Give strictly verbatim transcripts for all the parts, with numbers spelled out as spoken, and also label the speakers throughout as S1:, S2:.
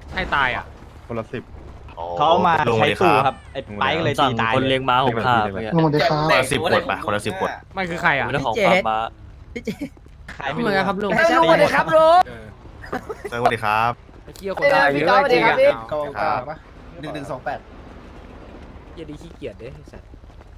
S1: ให้ตายอ่ะ
S2: คนละสิบ
S3: เขามาใช้ตู้ครับไอ้ไปก็เลยตีตาย
S4: คนเลี้ยงม้าหกขา
S2: ลงมาได้ครับ
S5: คนละสิบขวดไปคนละสิบขวด
S1: มันคือใครอ่ะ
S4: เป็นเรื่องของฟาร์มม้า
S3: ขายไม่
S1: เหมือนกันครับลุง
S3: ไม่ใช่ตีครับลุง
S1: เออ
S5: สวัสดีครับ
S1: ไอ้เกี้ยคนตายเยอะจริงอ่ะ
S5: กองกลางปะ
S3: หนึ่งหนึ่งสองแปด
S1: เหี้ยดีขี้เกียจเด้ไอ้สัตว์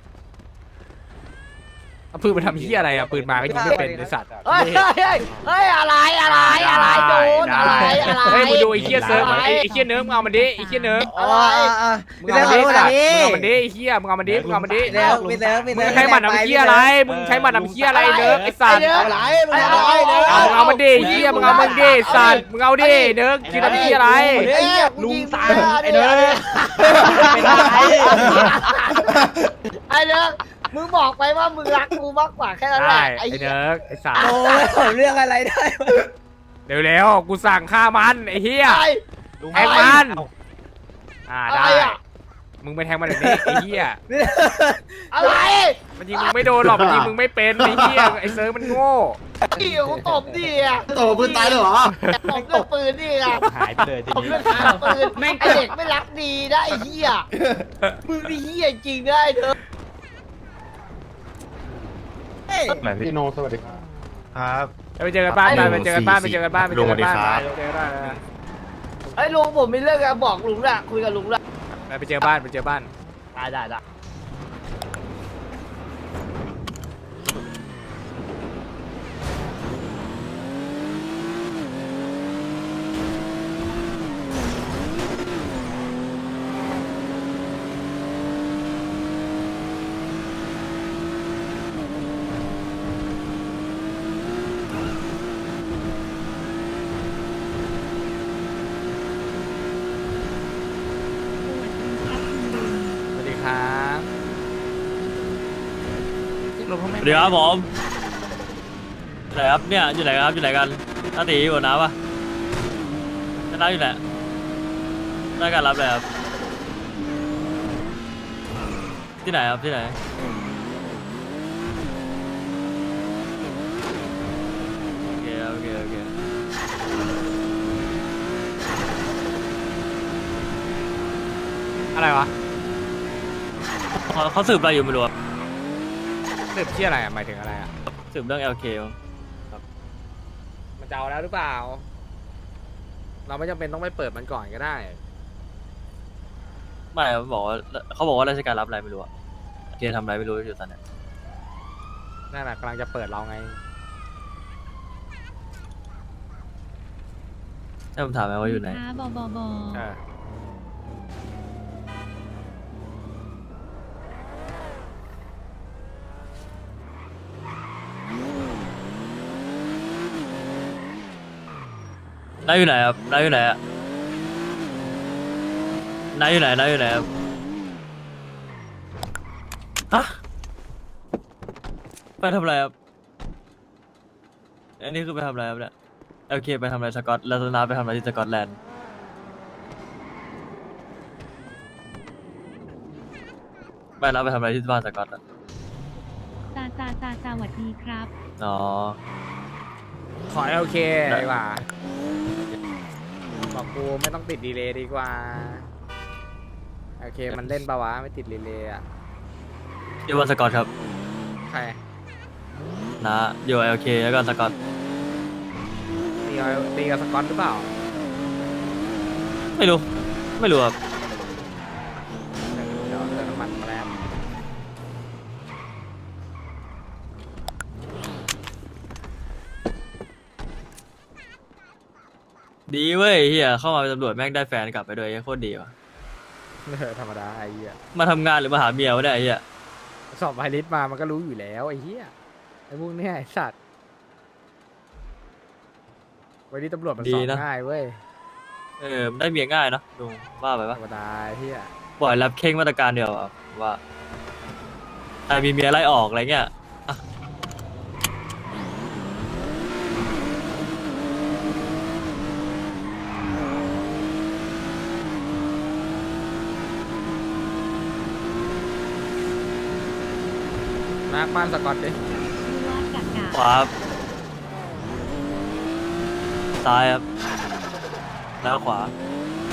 S1: เอาปืนมาทำเหี้ยอะไรอ่ะปืนมาก็ยิงไม่เป็นไอ้สัตว์
S6: เฮ้ยเฮ้ยเฮ้ยเฮ้ยอะไรอะไรอะไรโจนอะไรอะไร
S1: เฮ้ยมึงดูไอ้เหี้ยเซิร์ฟมันไอ้ไอ้เหี้ยเนิร์ฟมึงเอามันดิไอ้เหี้ยเนิร์ฟ
S6: อะไร
S1: มึงเอามันดิสัตว์มึงเอามันดิไอ้เหี้ยมึงเอามันดิมึงเอามันดิ
S6: เดี๋ยวมีเดี๋ยวมี
S1: มึ
S6: เดี๋
S1: ง
S6: ยว
S1: ใช้หมัดทำเหี้ยอะไรมึงใช้หมัดทำเหี้ยอะไรเนิร์ฟไอ้สัตว์
S3: อะไรมึงอะไรเนี่ย
S1: เอามึงเอามันดิเหี้ยมึงเอามันดิสัตว์มึงเอาดิเนิร์ฟคิดทำเหี้ยอะไร
S3: ลุงตายไอ้เด้อ
S6: ไอ้เนิร์กมึงบอกไปว่ามึงรักกูมากกว่าแค่นั้นแห
S1: ได้
S6: ละ
S1: ไอ้
S6: ไอ้
S1: เนิร์ฟไอ้สัตว์
S6: โอ้ยเรื่องอะไรได้
S1: เร็วๆกูสั่งฆ่ามันไอ้เหี้ย
S6: ไอ้
S1: แทงมันอ่า
S6: อะไร
S1: ได้
S6: อ่ะ
S1: มึงไปแทงมันแบบนี้ไอ้เหี้ย
S6: อะไร
S1: มันยิงมึงไม่โดนหรอกมันยิงมึงไม่เป็นไอ้เหี้ยไอ้เซิร์ฟมันโง่
S6: พี่กูตบดิอ่ะ
S5: โตปืนตายเลยเหรอ
S6: ตบด้วยปืนดิอ่ะ
S3: หายไปเลยที
S6: ตบ
S3: นี้
S6: ด้วยปืนไอ้เด็กไม่รักดีนะไอ้เหี้ยมึงนี่เหี้ยจริงนะไอ้เนิร์ก
S2: ไหนพี่โนสวัสดีครับ
S5: ครับ
S1: ไปเจอกันบ้านไปไปเจอกันบ้านไปเจอกันบ้านไปเจอกันบ้าน
S5: ลุงสวัสดีครับ
S1: ไปเจอกันบ้านนะ
S6: ไอ้ลุงผมมีเรื่องจะบอกลุงละคุยกับลุงละ
S1: ไปไปเจอบ้านไปเจอบ้าน
S6: ได้ได้ได้
S1: สวัสดีครับลงพ่อแม่
S4: สวัสดีครับผมไหนครับเนี่ยอยู่ไหนครับอยู่ไหนกันน้าตีอยู่น้าปะน้าอยู่ไหนได้การรับเลยครับที่ไหนครับที่ไหนโอเคโอเคโอเค
S1: อะไรวะ
S4: เขาเขาสืบอะไรอยู่ไม่รู้อะ
S1: สืบเชี่ยอะไรอ่ะหมายถึงอะไรอ่ะ
S4: สืบเรื่อง แอล เค
S1: มันจะเอาแล้วหรือเปล่า เราไม่จำเป็นต้องไปเปิดมันก่อนก็ได้
S4: ไม่เขาบอกว่าเขาบอกว่าราชการรับอะไรไม่รู้อะเคทำอะไรไม่รู้อยู่ตอนเนี้ย
S1: นั่นแหละกำลังจะเปิดเราไง
S4: ให้ผมถามไหมว่าอยู่ไหน
S7: บอบอบอ
S1: เออ
S4: นายอยู่ไหนครับนายอยู่ไหนอะนายอยู่ไหนนายอยู่ไหนครับฮะไปทำอะไรครับอันนี้คือไปทำอะไรครับเนี่ยโอเคไปทำอะไรสกอตแล้วนาไปทำอะไรที่สกอตแลนด์ไม่นาไปทำอะไรที่บ้านสกอตอะ
S7: ซาซาซาสวัสดีครับ
S4: อ๋อ
S1: ขอโอเคดีกว่าบอกกูไม่ต้องติดดีเลย์ดีกว่าโอเคมันเล่นปะวะไม่ติดดีเลย์อ่ะ
S4: อยู่บ้านสกอตครับ
S1: ใคร
S4: นะอยู่โอเคแล้วก็สกอต
S1: ตีกับตีกับสกอตหรือเปล่า
S4: ไม่รู้ไม่รู้ครับ
S1: เดี๋ยวเติมน้ำมันมาแล้ว
S4: ดีเว้ยเฮียเข้ามาเป็นตำรวจแม่งได้แฟนกลับไปด้วยโคตรดีว่ะ
S1: เออธรรมดาไอ้เหี้ย
S4: มาทำงานหรือมาหาเมียวะเนี่ยไอ้เฮีย
S1: สอบไพลิสมามันก็รู้อยู่แล้วไอ้เหี้ยไอ้พวกเนี้ยไอ้สัตว์วันนี้ตำรวจมันสอบง่ายเว้ย
S4: เออมันได้เมียง่ายเนอะดูว่าไป
S1: ธร
S4: ปะ
S1: รมดาไอ้เหี้ย
S4: ปล่อยรับเข่งมาตรการเดียวอะว่าใครมีเมียไล่ออกอะไรเงี้ยอ่ะ
S1: มาร์คบ้านสกอตดิ
S7: ว่ากากา
S4: ขวาครับซ้ายครับแล้วขวา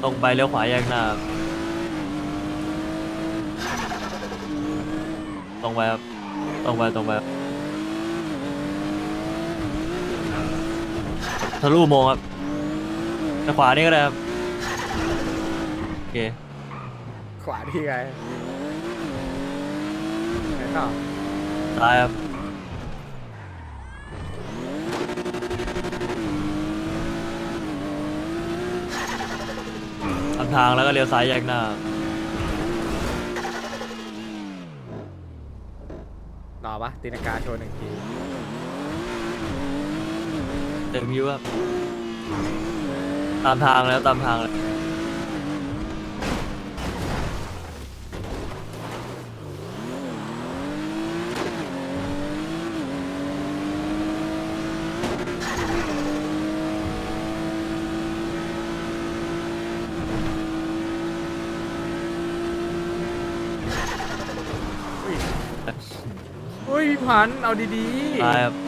S4: ตรงไปเลี้ยวขวาแยกหน้าครับตรงไปครับตรงไปตรงไปครับทะลุอุโมงค์ครับไปขวานี่ก็ได้ครับโอเค
S1: ขวาที่ไงไหนต่อ
S4: ซ้ายครับทำทางแล้วก็เลี้ยวซ้ายแยกหน้า
S1: รอปะตีนากาโชว์หนึ่งที
S4: เต็มวิวครับตามทางแล้วตามทางเลย
S1: อุ้ยพี่พันธุ์เอาดี
S4: ซ้ายครับ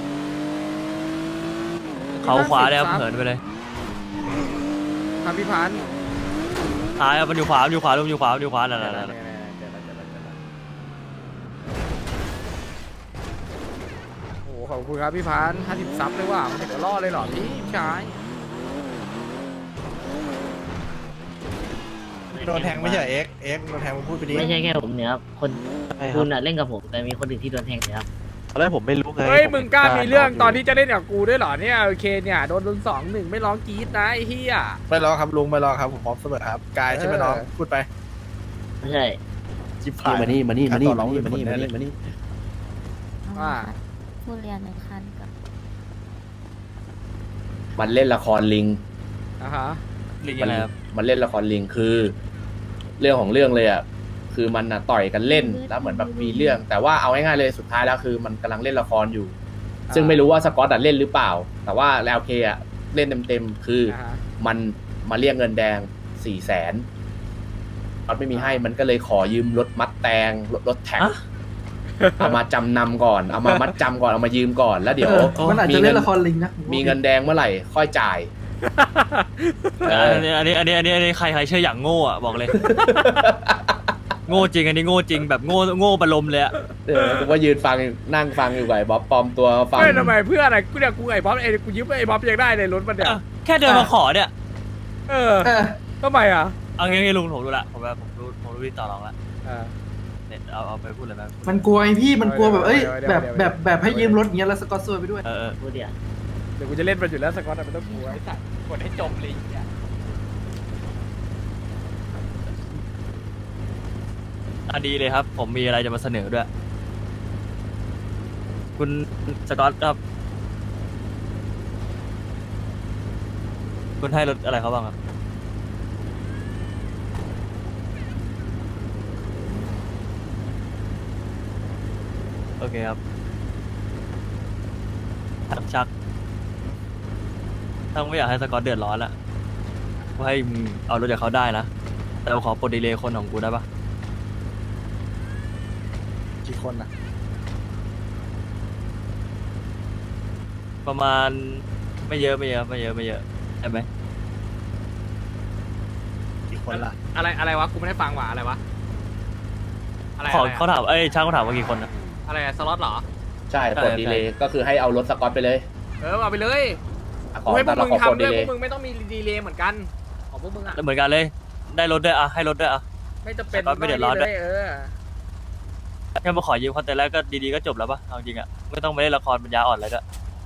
S4: เขาขวาเลยครับเหินไปเลย
S1: ๆครับพี่พันธุ์
S4: ซ้ายครับมันอยู่ขวามันอยู่ขวามันอยู่ขวามันอยู่ขวานั่น
S1: เจอ
S4: นั่น
S1: แล้ว
S4: นั่น
S1: เจอแล้วเจอแล้วเจอแล้วโอ้โหขอบคุณครับพี่พันธุ์ห้าสิบซับเลยว่ะมันถึงจะรอดเลยเหรอพี่ชาย
S5: โดนแทงไม่ใช่เอ็กเอ็กโดนแทงมึงพูดไปดิ
S8: ไม่ใช่แค่ผมเนี่ยครับ คนคุณอะเล่นกับผมแต่มีคนอื่นที่โดนแทงเนี่ยครับ
S2: ตอนแรกผมไม่รู้ไง
S1: เฮ้ย
S2: ผ
S1: มึงกล้ามีเรื่องตอน
S2: ที่
S1: ที่จะเล่นกับกูด้วยเหรอเนี่ยโอเคเนี่ยโดนโดนสองหนึ่งไม่ร้องกรี๊ดนะไอ้เหี้ย
S5: ไม่รอครับลุงไม่รอครับผมพร้อมเสมอครับกายใช่ไหมน้อง
S1: เออ
S5: พูดไป
S8: ไม่ใช่
S5: จิบผ่าน
S2: มานี่มานี่มานี่
S5: ต่อร
S2: มา
S5: อง
S2: นี่
S5: เป็
S2: มาน นี่
S5: ค
S2: มา
S5: แ
S2: นี่มานี่
S1: ว่า
S7: ผู้เรียนหนึ่งคันกับ
S9: มันเล่นละครลิง
S1: อ่ะฮะ
S4: ลิงอะไรครับ
S9: มันเล่นละครลิงคือ เรื่องของเรื่องเลยอ่ะคือมันอ่ะต่อยกันเล่นแล้วเหมือนแบบมีเรื่อง แต่ว่าเอาง่ายๆเลยสุดท้ายแล้วคือมันกำลังเล่นละครอยู่ ซึ่งไม่รู้ว่าสกอตอ่ะเล่นหรือเปล่า แต่ว่าแล้วเคอ่ะเล่นเต็มๆคืออ
S1: อ่าฮะ
S9: มันมาเรียกเงินแดงสี่แสนสกอตไม่มีให้มันก็เลยขอยืมรถมัดแตงรถรถแท็ก
S4: ฮะ
S9: เอามาจำนำก่อนเอามามัดจำก่อนเอามายืมก่อนแล้วเดี๋ยว
S5: มันอาจ
S9: มี
S5: จะ
S9: เงิ
S5: เล่
S9: น
S5: นละครลิงนะ
S9: มีเงินแดงเมื่อไหร่ค่อยจ่าย เออ
S4: อันนี้อันนี้อันนี้อันนี้อันนี้ใครใครเชื่ออย่างโง่อะบอกเลย โง่จริงอันนี้โง่จริงแบบโง่โง่ประลมเลยอะ
S9: เออกูว่ายืนฟังนั่งฟังอยู่ไงบ๊อบปลอมตัวฟัง
S1: เฮ้ยทำไมเพื่อนอะไรกูเนี่ยกูไอ้บ๊อบไอ้กูยืมไอ้บ๊อบยังได้เลยรถมันเนี่ย
S4: อ่ะแค่เดินมาขอเนี่ย
S1: เออทำไมอ่ะ
S4: เอางี้ๆลุงผมรู้ละผมแบบผมรู้ผมรู้ที่ต่อรองละ
S1: เออ
S4: เนี่ยเอาเอาไปพูดเลยไหม
S5: มันกลัวไอพี่มันกลัวแบบเอ้ย
S1: เดี๋ยว
S5: แบบ
S1: เดี๋ยว
S5: แบบแบบให้ยืมรถอย่างเงี้ยแล้วสกอตซวยไปด้วย
S4: เออเออ
S8: พูดเดียว
S1: เดี๋ยวกูจะเล่นมันอยู่แล้วสกอตอะไม่ต้องกลัวไอ้สัตว์กดให้จบเลยไอ้เหี้ย
S4: อ่ะดีเลยครับ ผมมีอะไรจะมาเสนอด้วย คุณสกอตครับ คุณให้รถอะไรเขาบ้างครับ โอเคครับชักชักถ้าไม่อยากให้สกอตเดือดร้อนละก็ให้มึงเอารถจากเขาได้นะ แต่ขอปลดดีเลย์คนของกูได้ปะ
S5: กี่คนนะ
S4: ประมาณไม่เยอะไม่เยอะไม่เยอะไม่เยอะใช่ไหม
S5: กี่คนละ
S1: อะไรอะไรวะกูไม่ได้ฟังว่ะอะไรวะอะไร
S4: ขอ
S1: อะไร
S4: เขา
S1: อะ
S4: ถามเอ้ยช่างเขาถามว่ากี่คนนะ
S1: อะไรอะสล็อตเหรอ
S9: ใช่
S4: ใช่
S9: กดดีเลยก็คือให้เอารถสกอตไปเลย
S1: เออเอาไปเลย
S9: อ่ะข
S1: กู
S9: อ
S1: ให้พว
S9: แต่
S1: ก
S9: เรา
S1: มึง
S9: ขอกด
S1: ทำด้
S9: ดี
S1: วย
S9: เล
S1: พวย กมึงไม่ต้องมีดีเลย์เหมือนกันของพวกมึงอะ
S4: เหมือนกันเลย ได้รถด้วยอ่ะให้รถด้วยอ่ะ
S1: ไม่จะเป็น
S4: สก๊อตไม่เดือดร้อนด้วย
S1: เออ
S4: แค่มาขอยืมเขาแต่แรกก็ดีๆก็จบแล้วปะเอาจริงอ่ะไม่ต้องไปเล่นละครปัญญาอ่อนอะไรด้วย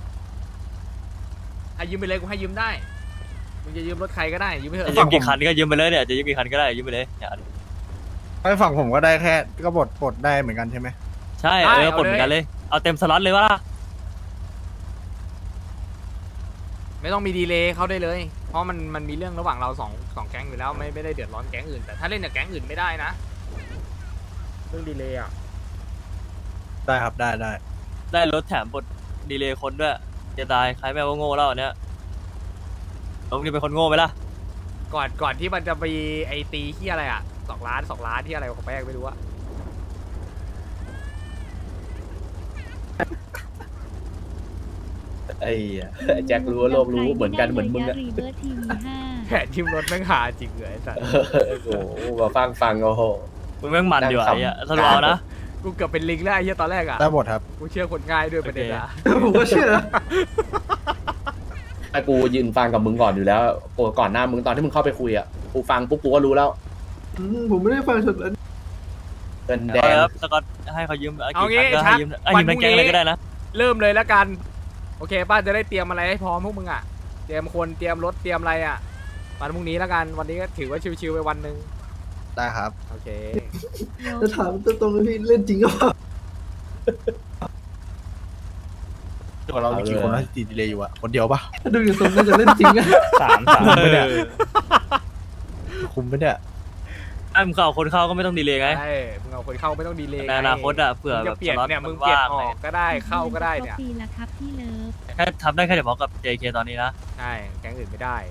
S1: ให้ยืมไปเลยกูให้ยืมได้มึงจะยืมรถใครก็ได้ยืมไปเถ
S4: จะ
S1: อะ
S4: ยืมกี่คันก็ยืมไปเลยเนี่ยจะยืมกี่คันก็ได้ยืมไปเลยเนี่ย
S5: ไอ้ฝั่งผมก็ได้แค่ก็บดปลดได้เหมือนกันใช่ไหม
S4: ใช่เออปลดเหมือนกันเลยเอาเต็มสล็อตเลยวะล่ะ
S1: ไม่ต้องมีดีเลย์เข้าได้เลย เพราะมันมันมีเรื่องระหว่างเราสองสองแก๊งอยู่แล้วไม่ไม่ได้เดือดร้อนแก๊งอื่นแต่ถ้าเล่นกับแก๊งอื่นไม่ได้นะเรื่องดีเลย์อ่ะ
S5: ได้ครับได้ได้
S4: ได้รถแถมปลดดีเลย์คนด้วยจะตายใครแม่ว่าโง่แล้วอันเนี้ยลุงนี่เป็นคนโง่ไหมล่ะ
S1: ก่อนก่อนที่มันจะไปไอตีที่อะไรอ่ะสองล้านสองล้านที่อะไรของแป้งไม่รู้อะ
S9: ไอ้เหี้ยแจ็ครู้ว่าโลกรู้เหมือนกันเหมือนมึงอะ
S7: รีเบิร์ทีวีห้า
S1: แผนทิมรถแม่งหาจริงเลยไอ้สัตว์
S9: โอ้โหมาฟังฟังโอ้โห
S4: มึงแม่งมันดีว่ะ
S9: นั่ง
S4: ไอ้
S9: ขำ
S4: เหี้ยสรุปเอานะ
S1: กูเกือบเป็นลิงแล้วไอ้เหี้ยตอนแรกอ่ะ
S5: ได้หมดครับ
S1: กูเชื่อคนง่ายด้วยประเด็นอะ
S5: ผมก็เชื่อ
S9: ไอ้กูยืนฟังกับมึงก่อนอยู่แล้วโอ้ก่อนหน้ามึงตอนที่มึงเข้าไปคุยอ่ะกูฟังปุ๊บกูก็รู้แล้ว
S5: ผมไม่ได้ฟังสุดแล้ว
S9: เงินแด
S4: เอา
S9: ง
S4: ครับสกอตให้เขายืม
S1: เอางี้
S4: กี่ครั้งก็ให้ยืม
S1: ชัก
S4: ให้ยืม
S1: วันพรุ่
S4: ทั้
S1: ง
S4: ง
S1: นี้
S4: แก๊งเลยก็ได้นะ
S1: เริ่มเลยแล้วกัน โอเคป้าจะได้เตรียมอะไรให้พร้อมพวกมึงอ่ะ เตรียมคนเตรียมรถเตรียมอะไรอ่ะวันพรุ่งนี้แล้วกันวันนี้ก็ถือว่าชิวๆไปวันหนึ่ง
S5: ได้ครับ
S1: โอเค
S5: จะถามตรงๆพี่เล่นจริงหรือเปล่าตัวเรามีกี่คนนะที่ดีเลยอยู่อะคนเดียวปะดูอยู่ตรงนั้นจะเล่นจริงอะ
S3: สามสาม
S5: ไม่ได้คุมไม่ได้
S4: ไอ้มึงเข้าคนเข้าก็ไม่ต้องดีเลยไง
S1: ใช่ มึงเอาคนเข้าไม่ต้องดีเลย
S4: ในอนาคตอะเผื่อ
S1: มึง
S4: แบ
S1: จะ
S4: บ
S1: เปลี่ยน
S4: สล็อต
S1: เนี่ย มึ
S4: มั
S1: ง
S4: น
S1: เปลี่ยน
S4: ว่าง
S1: อ
S4: เล
S1: อย กก็ได้ เข้าก็ได้เนี่ย
S7: ปีละครับพี่เลิฟ
S4: แค่ทำได้แค่เฉพาะกับ เจ เค ตอนนี้นะ
S1: ใช่ แก๊งอื่นไม่ได้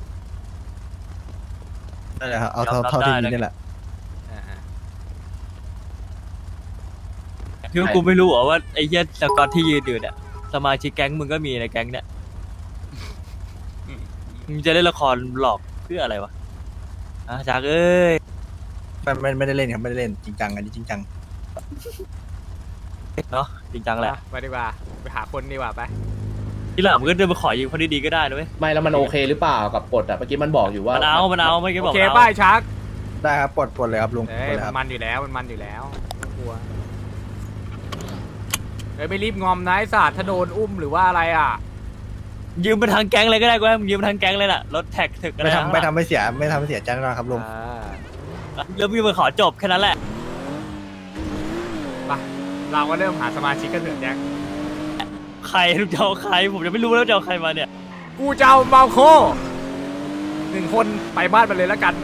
S5: นั่นแหละครับเอาเท่าเท่าที่มีนี่แหละ
S1: อ่า
S4: คือกูไม่รู้เหรอว่าไอ้เหี้ยสกอตที่ยืนอยู่เนี่ยสมาชิกแก๊งมึงก็มีในแก๊งเนี่ยมึงจะเล่นละครหลอกเพื่ออะไรวะอ่ะจากเอ้ย
S5: ไม่ไม่ไม่ได้เล่นครับไม่ได้เล่นจริงจังอันนี้จริงจัง
S4: เนาะจริงจัง
S1: ๆ
S4: แหละ
S1: ไปดีกว่า ไปหาคนดีกว่าไป
S4: ที่หลังมึงก็เดินมาขอยืมคนดีๆก็ได้นะเว้ย
S9: ไม่แล้วมันโอเคหรือเปล่ากับกฎอ่ะเมื่อกี้มันบอกอยู่ว่า
S4: มันเอามันเอาไม่อกี้
S1: โอบ
S4: อ
S1: เค
S4: ก
S1: ป้า
S4: เอา
S1: ยชัก
S5: ได้ครับปลดปลดเลยครับลุง
S1: เอ้
S5: ปล
S1: ย
S5: ดเลยค
S1: มั
S5: รับ
S1: นมันอยู่แล้ว มันมันอยู่แล้วไม่กลัวเอ้ยไม่รีบงอมนะไอ้สัตว์ถ้าโดนอุ้มหรือว่าอะไรอ่ะ
S4: ยืมมาทางแก๊งเลยก็ได้กูให้มึงยืมมาทางแก๊งเลยน่ะรถแท็กถึกอะไร
S5: ไม่
S4: ทั้ง
S5: ทำ
S4: ห
S5: ไม่
S4: ลัง
S5: ทำไม่เสียไม่ทำไม่เสียใจแน่นอนครับลุง
S1: อ่า
S4: แล้วมึงมาขอจบแค่นั้นแหละ
S1: ไปเราก็เริ่มหาสมาชิกกันเถอะแจ็ค
S4: ใครมึงจะเอาใครผมจะไม่รู้แล้วจะเอาใครมาเนี่ย
S1: กูจะเอาเมาโคหนึ่งคนไปบ้านมันเลยแล้วกัน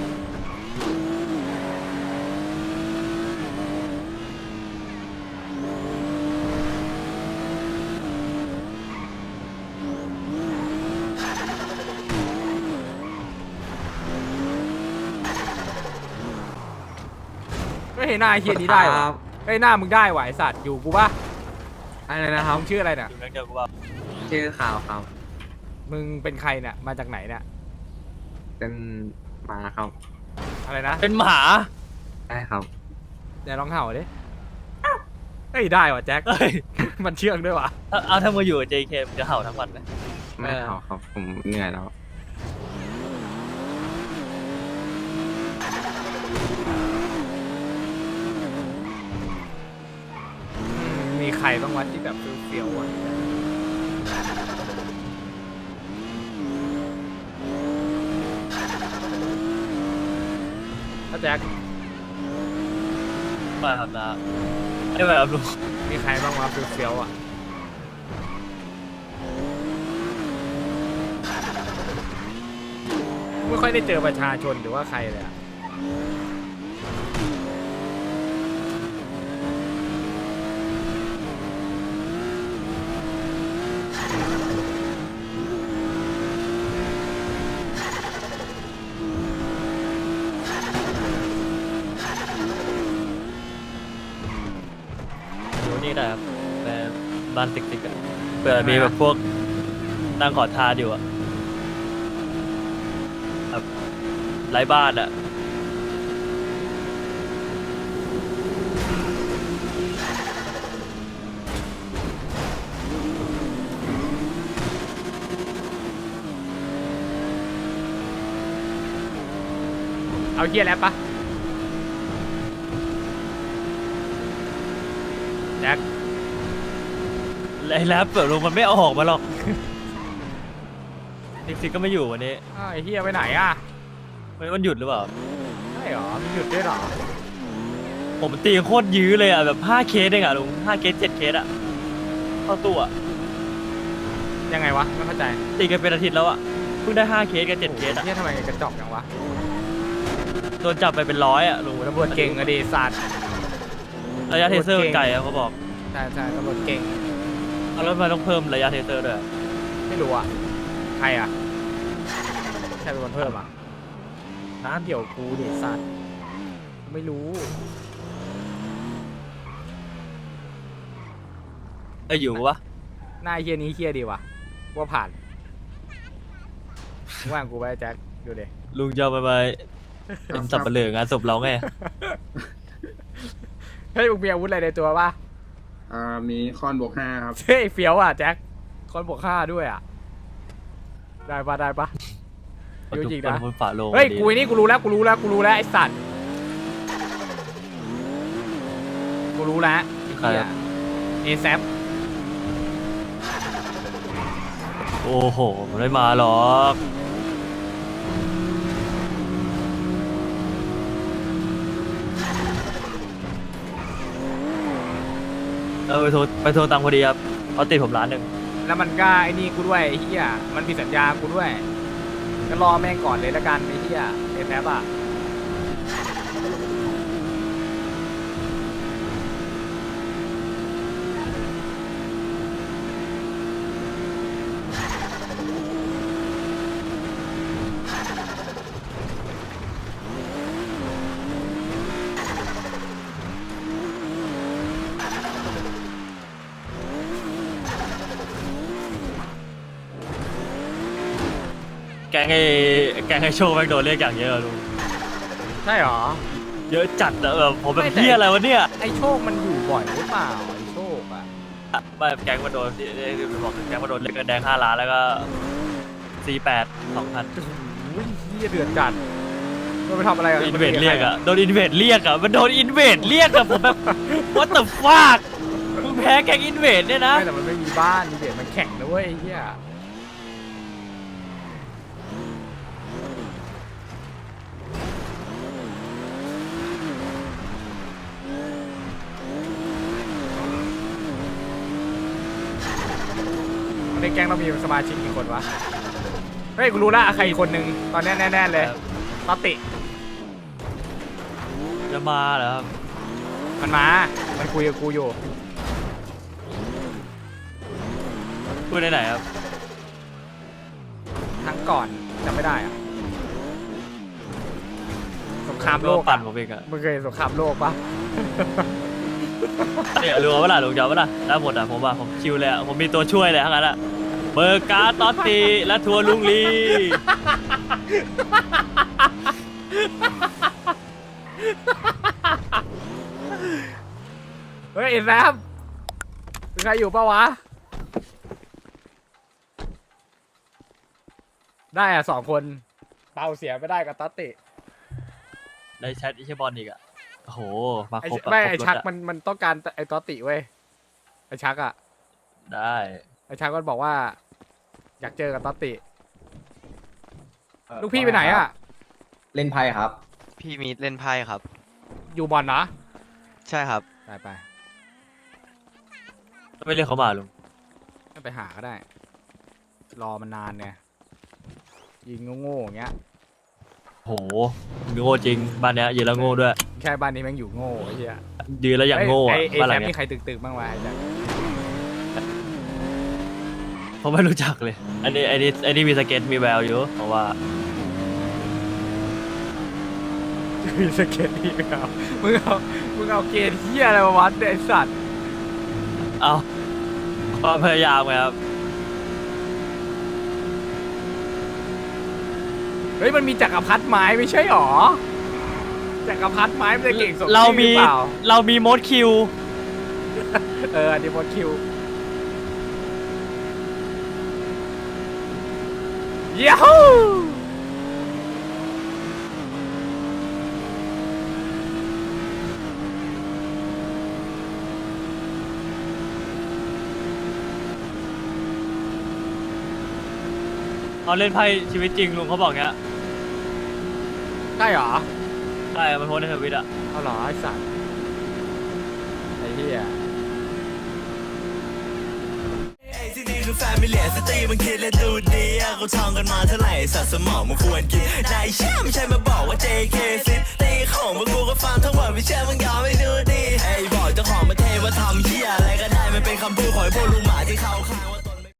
S1: ก็เห็นหน้าไอ้เฮียนี้ได้วะไอ้ยหน้ามึงได้ว่ะไอสัตว์อยู่กูปะ
S2: อะไรนะครับ
S1: มึงชื่ออะไรเนี่ย
S4: อยู่แก๊งเดียวกูว่า
S2: ชื่อข่าวครับ
S1: มึงเป็นใครเนี่ยมาจากไหนเนี่ย
S2: เป็นหมาครับ
S1: อะไรนะ
S4: เป็นหมา
S2: ได้ครับ
S1: เดี๋ยวลองเห่าดิเอ้ยได้ว่ะแจ็ค
S4: เอ้ย
S1: มันเชื่องด้วยว่ะ
S4: เอาเอาถ้ามาอยู่กับ เจ เคมึงจะเห่าทั้งวันไหม
S2: ไม่
S1: เออ
S2: เอาครับ ผมเหนื่อยแล้ว
S1: อืมมีใครบ้างวะที่แบบเฟี้ยวๆอ่ะถ้าแจ็ค
S4: ไม่ครับนะไม่ไปครับลุง
S1: มีใครบ้างวะเฟี้ยวๆอ่ะไม่ค่อยได้เจอประชาชนหรือว่าใครเลยอ่ะ
S4: อยู่นี่ได้ครับในบ้านติ๊กๆอะเผื่อมีแบบพวกนั่งขอทานอยู่อะแบบไร้บ้านอะ
S1: เอาเฮียแล้วปะแจ็ค
S4: ไอ้แรปเปิดลงมันไม่เอาออกมาหรอก ติ๊กๆก็ไม่อยู่วันนี้
S1: อ้าวไอ้เฮียไปไหนอ่ะ
S4: วันนี้มันหยุดหรือเปล่า
S1: ใช่หรอมันหยุดด้วยหรอ
S4: ผมตีโคตรยื้อเลยอะแบบห้าเคสเองอะลุงห้าเคสเจ็ดเคสอะเข้าตัวอะ
S1: ยังไงวะไม่เข้าใจ
S4: ตีกันเป็นอาทิตย์แล้วอะเพิ่งได้ห้าเคสกับเจ็ดเคสอะ
S1: เฮียทำไมกระจอกจังวะ
S4: โดนจับไปเป็นร้อยอะลุง
S1: โอ้ตำรวจเก่งอะดิสัตว์
S4: ระยะเทเซอร์มันไกลอะเขาบอก
S1: ใช่ใช่ตำรวจเก่ง
S4: เอาแล้วทำไมต้องเพิ่มระยะเทเซอร์ด้วย
S1: ไม่รู้อ่ะใครอ่ะใครเป็นคนเพิ่มอ่ะน้าเดี๋ยวกูดิสัตว์ไม่รู้
S4: เอ้ยอยู่ปะ
S1: หน้าเฮียนี้เฮียดีว่ะว่าผ่านว่างกูไปแจ็คดูดิ
S4: ลุงจะเอาไปไปเป็นสับปะเหลืองานศพเราไง
S1: เฮ้ยมึงมีอาวุธอะไรในตัวป่ะ
S2: อ่ามีคอนบวกห้าครับ
S1: เฮ้ยเฟี้ยวอ่ะแจ็คคนบวกฆ่าด้วยอ่ะได้ปะได้ปะยูจริงนะ
S4: บนฝาโลง
S1: เฮ้ยกูไอ้นี่กูรู้แล้วกูรู้แล้วกูรู้แล้วไอ้สัตว์กูรู้แล้วไอ้เหี้ยเอแซป
S4: โอ้โหไม่มาหรอก เออไปโทรไปโทรตังค์พอดีครับเขาติดผมร้านหนึ่ง
S1: แล้วมันก็ไอ้นี่กูด้วยไอ้เหี้ยมันผิดสัญญากูด้วยก็รอแม่งก่อนเลยละกันไอ้เหี้ยเอแซปอ่ะ
S4: แกงไอ้แกงไอ้โชว์แม่งโดนเรียกอย่างเยอะลุง
S1: ใช่หรอ
S4: เยอะจัดอะแบบผมแบบ
S1: ไม่แต่
S4: เฮียอะไรวะเนี่ย
S1: ไอ้โชคมันอยู่บ่อยหรือเปล่าไอ้โชคอ่ะ
S4: ไม่แกงมาโดนที่ที่บอกแกงมาโดนเรียกเงินแดงห้าล้านแล้วก็สี่แปดสองพัน
S1: โอ้ยเหี้ยเดือดจัดมันไปทำอะไรกับ
S4: อินเวดเรียกอะโดนอินเวดเรียกอะมันโดนอินเวดเรียกอะผมแบบ what the fuck มึงแพ้แกงอินเวดเนี่ยนะ
S1: ไม่แต่มันไม่มีบ้านมีเด็กมันแข่งนะเว้ยไอ้เหี้ยในแก๊งเรามีสมาชิกกี่คนวะเฮ้ยกูรู้ละใครอีกคนนึงตอนนี้แน่ๆเลยตอติ
S4: จะมาเหรอครับ
S1: มันมา มันคุยกับกูอยู่
S4: พูดได้ไหนครับ
S1: ทั้งก่อนจำไม่ได้อะสงครามโลก
S4: ปั่
S1: อะ
S4: นผมเองอะ
S1: มึงเคยเห็นสงครามโลกปะ
S4: เนี่ยรู้ว่าล่ะลุงจำว่าล่ะได้หมดอะผมว่าผมคิวเลยอะผมมีตัวช่วยเลยทั้งนั้นอะเบอร์การ์ดตอตตีและทัวร์ลุงลี
S1: เฮ้ยไอ้แซมมีใครอยู่ปะวะ ได้อะสองคนเปาเสียไม่ได้กับตัตติ
S4: ได้แชทไอเชบอลอีกอะโอ้โหมา
S1: ไอ้
S4: ครบอะ
S1: ไม่
S4: ครบ
S1: ไอ้
S4: รถ
S1: ชัก
S4: อะ
S1: มันมันต้องการไอ้ตัตติเว้ยไอ้ชักอะ
S4: ได้
S1: ไอ้ชักก็บอกว่า อยากเจอกับตัตติลูกพี่ไปไหนอะ
S3: เล่นไพ่ครับ
S10: พี่มีเล่นไพ่ครับ
S1: อยู่บอลนะ
S10: ใช่ครับ
S1: ไปไป
S4: ไม่เรียกเขามาลุง
S1: ไม่ไปหาก็ได้ รอมันนานเนี่ยยิงโง่ๆอย่างเงี้ย
S4: โหโง่จริงบ้านเนี้ยยืนแล้วโง่ด้วย
S1: แค่บ้านนี้แม่งอยู่โง่ไอ้เหี้ย
S4: ยืนแล้วอย่างโง่อะ
S1: ไอ้ไอ้
S4: บ้านห
S1: แซ
S4: ลัง
S1: ม
S4: เนี้
S1: นี่
S4: ย
S1: ใครตึกๆบ้างวะไอ้แซม
S4: ผมไม่รู้จักเลย อันนี้อันนี้อันนี้มีสเก็ตมีแววอยู่เพราะว่า
S1: มีสเก็ตอีกแล้วมึงเอามึงเอาเกณฑ์เหี้ยอะไรมาวัดเนี่ยไอ้สัตว์
S4: เอาความพยายามไงครับ
S1: เฮ้ยมันมีจักรพรรดิไม้ไม่ใช่หรอจักรพรรดิไม้มันจะเก่งสม
S4: เรา
S1: ชื่อ
S4: มี
S1: หรือเปล่า
S4: เรามีโมดคิว
S1: เอออันนี้หมดคิวเย้า
S4: เขาเล่นไพ่ชีวิตจริงลุงเขาบอกเงี้ย
S1: ใช่หรอ
S4: ใช่มันโพสต์ในทวิตอะ
S1: เอาเหรอไอ้สัตว์ไอ้เหี้ย
S11: ที่นี่คือแฟมิเลียสตรีมันคิดและดูดีอะเขาท่องกันมาเท่าไหร่สัตว์สมองมันควรกินนายเชื่อไม่ใช่มาบอกว่า เจ เค ซิตีของพวกกูก็ฟังทั้งหมดไม่เชื่อมึงยอมไม่ดูดีไอ้บอกเจ้าของประเทศว่าทำเหี้ยอะไรก็ได้มันเป็นคำพูดของไอ้พวกลุงหมาที่เขาขาย